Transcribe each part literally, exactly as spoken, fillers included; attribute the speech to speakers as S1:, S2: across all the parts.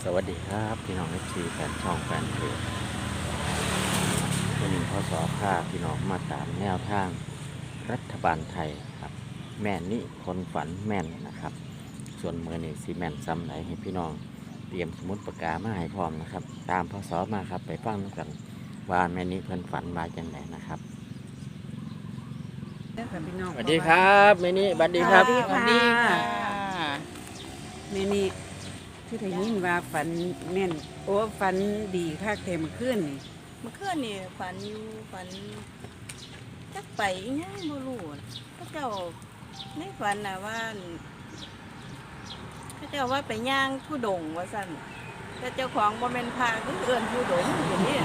S1: สวัสดีครับพี่น้องเอฟซีแฟนช่องแฟนเพจวันนี้พศภาพี่น้องมาตามแนวทางรัฐบาลไทยครับแม่นนี่คนฝันแม่นนะครับ ส่วนเมื่อนี่ซีแม่นซ้ำไหนให้พี่น้องเตรียมสมุดปากกามาให้พร้อมนะครับ ตามพศมาครับไปฟังกันว่าแม่นี่เพิ่นฝันมาจังไหนนะครับสวัสดีครับแม่นี่สวัสดีครับ
S2: สวัสดีค่ะ
S3: แม่นี่ที่ได้ยินว่าฝันแม่นโอ้ฝันดีคักแต่เมื่อคืนนี่
S2: เมื่อคืนนี่ฝันอยู่ฝันจักไปอีหยังบ่รู้น่ะพระเจ้าในฝันน่ะว่าพระเจ้าว่าไปย่างผู้ดงว่าซั่นแต่เจ้าของบ่แม่นพระคือเอิ้นผู้ดงอย่างนี้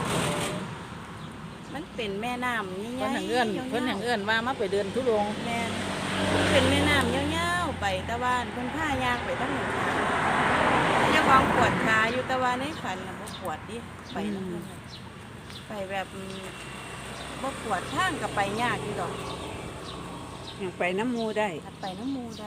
S2: มันเป็นแม่น้ำใหญ่ๆ
S4: เพิ่นทางเอื้อนเพิ่นทางเอื้อนว่ามาไปเดินทุดงค์
S2: แม่นมันเป็นแม่น้ำยาวๆไปตะวันเพิ่นพาย่างไปทางหนึ่งทางเจ้าของปวดขาอยู่ตะวันในฝันน่ะบ่ปวดดิไปนำเพิ่นน่ะไปแบบบ่ปวดทางก็ไปยากอยู่ดอก
S3: อยากไปน้ำหมูได้
S2: ถ้าไปน้ำหมู่ได้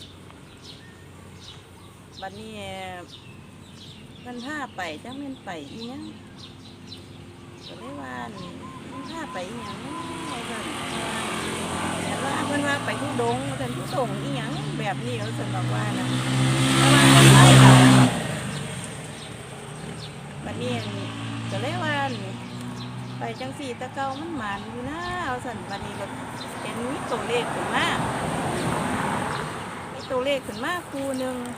S2: บัดนี้เพิ่นพาไปจังแม่นไปอีหยังก็เลยว่าอั่นเพิ่นพาไปอีหยังว่าซั่นแต่ว่าเพิ่นว่าไปทุดงค์ว่าซั่นทุดงค์อีหยังแบบนี้เขาซั่นบอกว่านะแต่ว่าเพิ่นไปค่ะบัดนี้ก็เลยว่าอั่นไปจังสี่ตะเกามันหมานอยู่นะเอาซั่นบัดนี้ก็เห็นมีตัวเลขขึ้นมามีตัวเลขขึ้นมาคู่หนึง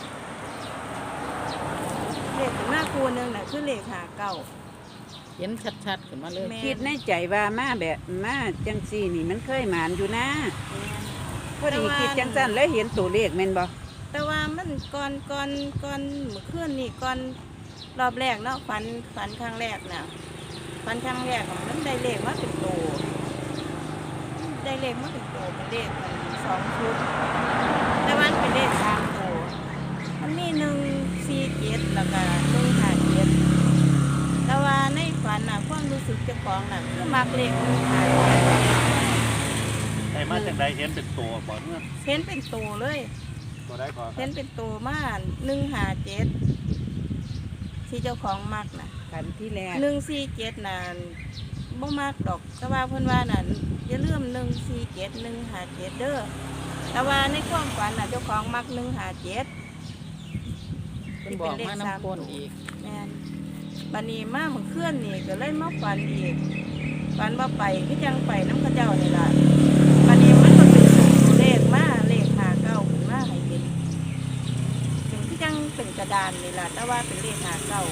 S2: เลขขึ้นมาคู่หนึงน่ะคือเลขห้าเก้า
S4: เห็นชัดๆขึ้นมาเลย
S2: แม่
S3: คิดในใจว่ามาแบบมาจังซี่นี่มันเคยหมานอยู่นะพอดีคิดจังซั่นแล้วเห็นตัวเลขแม่นบ่
S2: แต่ว่ามันก่อนก่อนก่อนเมื่อคืนนี่ก่อนรอบแรกเนาะฝันฝันครั้งแรกน่ะฝันครั้งแรกอะมันได้เลขมาเป็นโตได้เลขมาเป็นโตเป็นเลขมันสองชุดแต่ว่ามันเป็นเลขสามโตมันมีหนึ่งสี่เจ็ดแล้วก็หนึ่งห้าเจ็ดแต่ว่าในฝันน่ะความรู้สึกเจ้าของน่ะคือมักเลขหนึ่งห้าเจ็ด
S1: แต่มาจากใดเห็นเป็นตัวบ่เมื่อ
S2: เห็นเป็นโตเลย
S1: ตัวได้ก่อน
S2: เห็นเป็นตัวมาหนึ่งห้าเจ็ดที่เจ้าของมักน่ะ
S3: ฝันที่แรก
S2: หนึ่งสี่เจ็ดน่ะบ่มากดอกแต่ว่าเพิ่นว่าน่ะอย่าลืมหนึ่งสี่เจ็ดหนึ่งห้าเจ็ดเด้อแต่ว่าในความฝันน่ะเจ้าของมักหนึ่งห้าเจ็ด
S4: เพิ่นบอกมาน้ำก้นอีก
S2: แม่นบัดนี้มาเมื่อคืนนี่ก็เลยมาฝันอีกฝันว่าไปคือจังไปน้ำกระเจ้านี่ล่ะบัดนี้มันก็เป็นตัวเลขมาเลขห้าเก้าขึ้นมาให้เห็นถึงที่จังเป็นกระดานนี่ล่ะแต่ว่าเป็นเลขห้าเก้า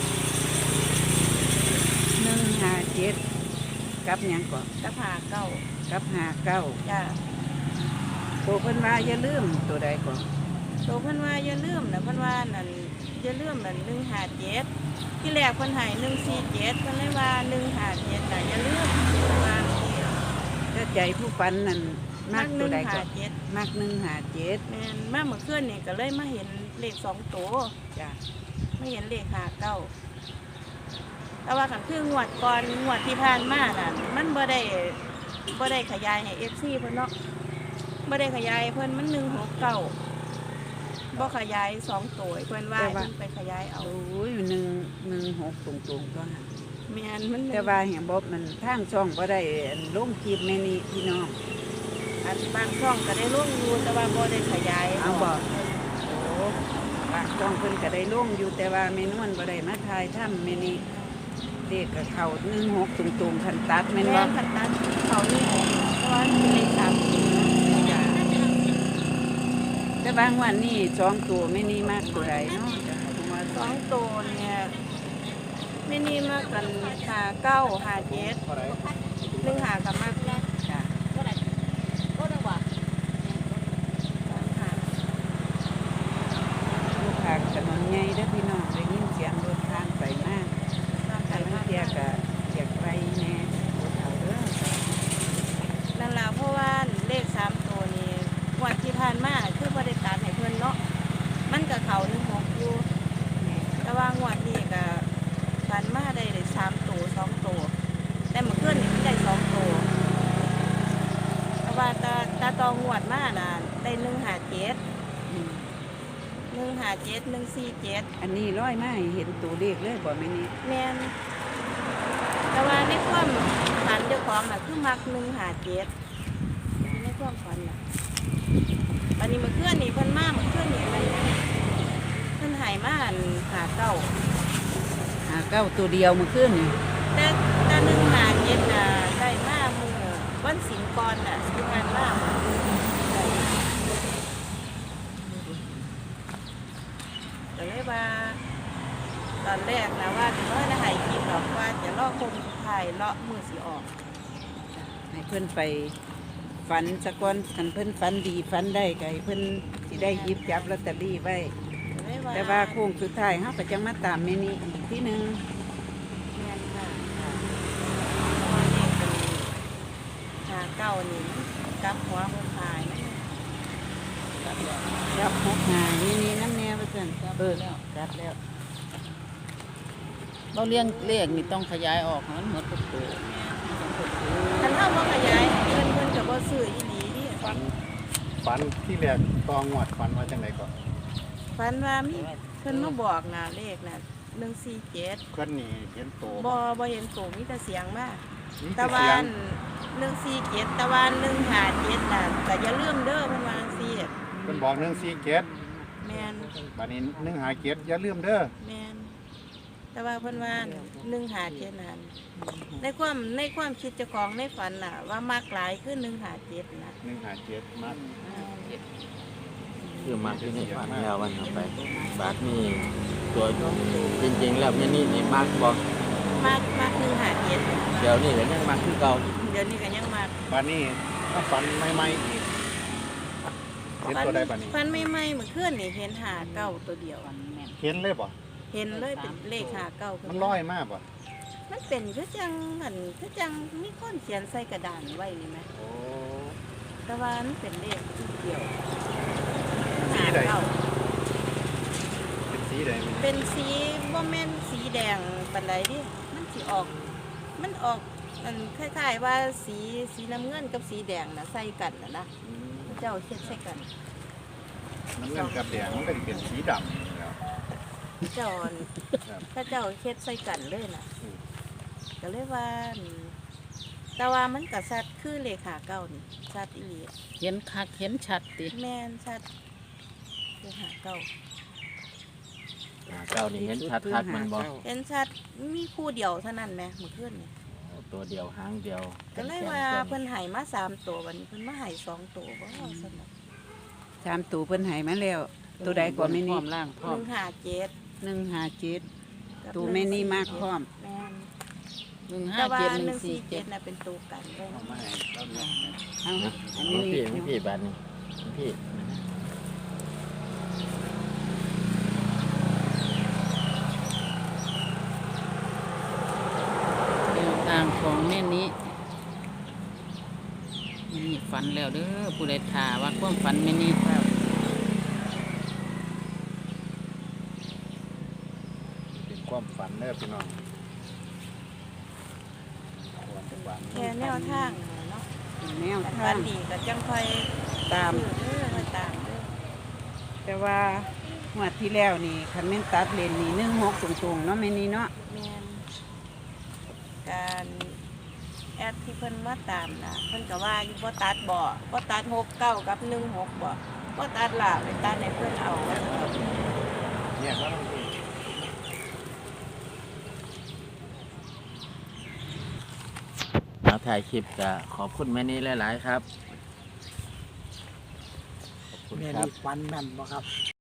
S3: หนึ่งห้าเจ็ดกับหยังก่อน
S2: กับห้าเก้า
S3: กับห้าเก้า
S2: จ้า
S3: ตัวเพิ่นว่าอย่าลืมตัวใดก่อน
S2: โตเพิ่นว่าอย่าลืมนะเพิ่นว่านั่นอย่าลืมนั่นหนึ่งห้าเจ็ดที่แรกเพิ่นให้หนึ่งสี่เจ็ดเพิ่นเลยว่าหนึ่งห้าเจ็ดน่ะอย่าลืมเพิ่นว่าอย่างนี้
S3: ถ้าใจผู้ฝันนั่นมัก
S2: ห
S3: ตัว
S2: นึ่ง
S3: ใดก่
S2: ห้า
S3: อน
S2: เจ็ด
S3: มักหนึ่งห้าเจ็ด
S2: แม่นมาเมื่อคืนนี่ก็เลยมาเห็นเลขสองตัว
S3: จ้ะ
S2: ไม่เห็นเลขห้าเก้าแต่ว่ากันคืองวดก่อนงวดที่ผ่านมาน่ะมันบ่ได้บ่ได้ขยายให้ เอฟ ซี เพิ่นเนาะบ่ได้ขยายเพิ่นมันหนึ่งหกเก้าบ่ขยายสองตัวให้เพิ่นว่าให้เพิ่นไปขยายเอา
S3: โอ้ยหนึ่งหนึ่งหกตรงๆก็หา
S2: แม่นมัน
S3: แต่ว่าเห็นบอกมันทางช่องบ่ได้ลงคลิปแม่นี่พี่น้อง
S2: อันบางช่องก็ได้ลงอยู่แต่ว่าบ่ได้ขยาย
S3: เอาบ่โอ้บางช่องเพิ่นก็ได้ลงอยู่แต่ว่าแม่นวลบ่ได้มาถ่ายทำแม่นี่เด็กกับเขาหนึ่งหกตรงๆคันตัดแม่น
S2: แม่
S3: บ่
S2: นขันตัดเขานี่เพราะว่าเป็นเลขสามตัว
S3: จ้ะแต่บางวันนี่สองตัวแม่นี่มากตัวใดเนาะจ้ะผมว่า
S2: สองตัวเนี่ยไม่นี่มากกันหาเก้าหาเจ็ดหนึ่งหากับมากแรก
S3: จ้ะ
S2: หา
S3: ลูกค้าถนนใหญ่เด้อพี่น้องได้ยินเสียงรถทางไปมาก แต่บางเที่ยก็อยากไปแหน่บ่เฒ่าเด้อ
S2: นั่นแหละเพราะว่าเลขสามตัวนี้งวันที่ผ่านมาคือพอได้ตัดให้เพื่อนเนาะมันกับเขาหนึ่งหกอยู่แต่ว่างวดนี้ก็ตัดมาได้เลยสามตัวสองตัวแต่เมื่อคืนนี่มันได้สองตัวแต่ว่าตาตาตองวดมาน่ะได้หนึ่งหาเจ็ด
S3: อืม
S2: หนึ่งหาห้าเจ็ดหนึ่งสี่เจ็ด
S3: อันนี้ร้อยมาให้เห็นตัวเลขเลยบ่แม่นี่
S2: แม่นแต่ว่าในความฝันเจ้าของน่ะคือมักหนึ่งห้าเจ็ดในความฝันน่ะวันนี้เมื่อคืนนี่เพิ่นมาเมื่อคืนนี่มันเพิ่นใหายมาอันหาเก้า
S3: หาเก้าตัวเดียวเมื่อคืนนี่
S2: แต่แต่หนึ่งหาเจ็ดน่ะได้มามือวันสิงห์ก่อนน่ะที่งานมาได้ก็เลยว่า ตอนแรกนะว่าจะว่าจะหายกินหรอกว่าจะลอกคงสุดท้ายเลาะมือสีออก
S3: ให้เพิ่นไปฝันสะก้อนคันเพิ่นฝันดีฝันได้ก็ให้เพิ่นสิได้หยิบจับลอตเตอรี่ไว้
S2: ก็เลย
S3: แต่ว่าโค้งสุดท้ายเฮาก็จังมาตามแม่นี่อีกทีหนึง
S2: แม่นค่ะค่ะเพราะว่าเด็กเป็นหาเก้านี่กลับหัวคนตายนะ
S3: จับหกหานี่นี่น้ำแนวว่าซั่น
S4: จับ
S3: เออ
S4: แล้ว
S3: จับแล้ว
S4: เราเลี้ยงเลขนี่ต้องขยายออกให้มันหมดทุกตัว
S2: คันเท่าว่าขยายเพื่อนเพื่อนกับว่าซื้ออีหลีนี่
S5: ฝันฝันที่แรกตองวดฝันว่าจังไดก่อน
S2: ฝันว่ามีเพื่อนมาบอกนะเลขนะหนึ่งสี่เจ็ด
S5: เพื่อนนี่เห็นโต
S2: บอบอเห็นโตมีแต่เสียงมาก
S5: มี
S2: ตะ
S5: แต่
S2: วั
S5: เสียง
S2: นหนึ่งสี่เจ็ดตะวันหนึ่งหาเจ็ดน่ะแต่อย่าลืมเด้อเพิ่นวาจั่งซี
S5: เพิ่นบอกหนึ่งสี่เจ็ด
S2: แมน
S5: บัดนี้หนึ่งหาเจ็ดอย่าลืมเด้อ
S2: แมนแต่ว่าเพิ่นว่าหนึ่งหาเจ็ดนั่นในความในความคิดเจ้าของในฝันน่ะ ว่ามากหลายคือหนึ่งหาเจ็ดนะ
S5: หนึ่งหาเจ็ดมา
S1: คือมากที่นี่ฝันแล้ววันเอาไป บาทนี่ตัวจริงๆแล้วแม่นี่นี่มากบอก
S2: มากมากหนึ่งหาเจ็ด
S1: เดี๋ยวนี้ก็ยังมากคือเก่า
S2: เดี๋ยวนี้ก็ยังมาก
S5: บัดนี้ถ้าฝันใหม่ๆอีกเห็นตัวใดบัดนี้
S2: ฝันไม่ไม่ๆเมื่อคืนนี่เห็นหาเก้าตัวเดียว
S4: ฝันแม่น
S5: เห็นเลยบ่
S2: เห็นเลยเป็นเลขหาเก้าขึ้
S5: มันลอยมากบ่
S2: มันเป็นคือจังหันคือจังมีคนเขียนใส่กระดานไว้นี่ไหม
S5: โอ้
S2: แต่ว่ามันเป็นเลขที่เดียว
S5: สีใด
S2: หาเก้า
S5: เป็นสีใดมัน
S2: เป็นสีบ่แม่นสีแดงปานใดดิมันสิออก มันออกมันคล้ายๆว่าสีสีน้ำเงินกับสีแดงนะใส่กันนะนะ
S5: อืม
S2: พระเจ้าเช็ดใส่กัน
S5: น้ำเงินกับแดงมันก็สิเป็นสีดำแล้ว
S2: พระเจ้า
S5: ครับ
S2: พระเจ้าเช็ดใส่กันเลยนะ
S5: อืม
S2: ก็เลยว่าอืมแต่ว่ามันกับสัตว์คือเลขาเก้านี่สัตว์อีหลี
S4: เห็นคักเห็นชัดติ
S2: แม่นสัตว์เลขาเก้า
S1: หาเก่านี่เห็นชัดทักมันบอก
S2: เห็นสัตว์มีคู่เดียวเท่านั้นไหมเมื่อคืนนี่
S1: ตัวเดียวหางเดียว
S2: ก็เลยว่าเพิ่นใหายมาสามตัววันนี้เพิ่นมาใหายสองตัวบ่เอาสนุก
S3: สามตัวเพิ่นให้มาแล้ว ตัวใดก่อนแม่
S4: พร้
S3: นี่
S4: อมล่างพ
S2: ห
S4: ร้อม
S2: นึ่งหาเจ็ด
S3: หนึ่งหาเจ็ด
S2: กับ
S3: ตัวแม่นี่มากพร้อม
S2: แม่น
S4: หนึ่งห้า
S2: แต่ว่า
S4: เจ็ดห
S2: ห
S4: นึ่
S2: นึ่
S4: ง
S2: ง
S4: สี่
S2: สี่
S4: เจ็
S2: เจ็
S4: ด
S2: ดน่ะเป็นตัวกันเลย
S5: เอามาให้เราเนี่ย
S3: เอาอัน
S1: นี่
S3: นี้
S1: พี่นี่พี่บาทนี่พี่
S4: แนวทางของแม่นี้แม่นี่ฝันแล้วเด้อผู้ใดถาว่าความฝันแม่นี้ครับ
S5: เป็นความฝันเด้อพี่น้องความฝัน
S2: แค่แนวทางน่ะเนาะ
S3: แนว
S2: อัน
S3: ทา
S2: วั
S3: ง
S2: นดีก็จังค่อย
S3: ตาม
S2: เออค่อยตามเด้อ
S3: แต่ว่างวดที่แล้วนี่คันแม่นตัดเลนนี่หนึ่งหกตรงๆเนาะแม่นี่เนาะ
S2: แม่นการแอดที่เพิ่นมาตามน่ะเพิ่นก็ว่าอยู่บ่ตัดบ่บ่ตัดหกเก้ากับหนึ่งหกบ่บ่ตัดล่ะไปตัดให้เพิ่นเอาว่า
S5: เนี่ยก็ต้อง
S1: เอาถ่ายคลิปก็ขอบคุณแม่นี้หลาย ๆ ครับ ขอบคุณ
S6: แม่
S1: ครับ
S6: นี่ฟันแม่นบ่ครับ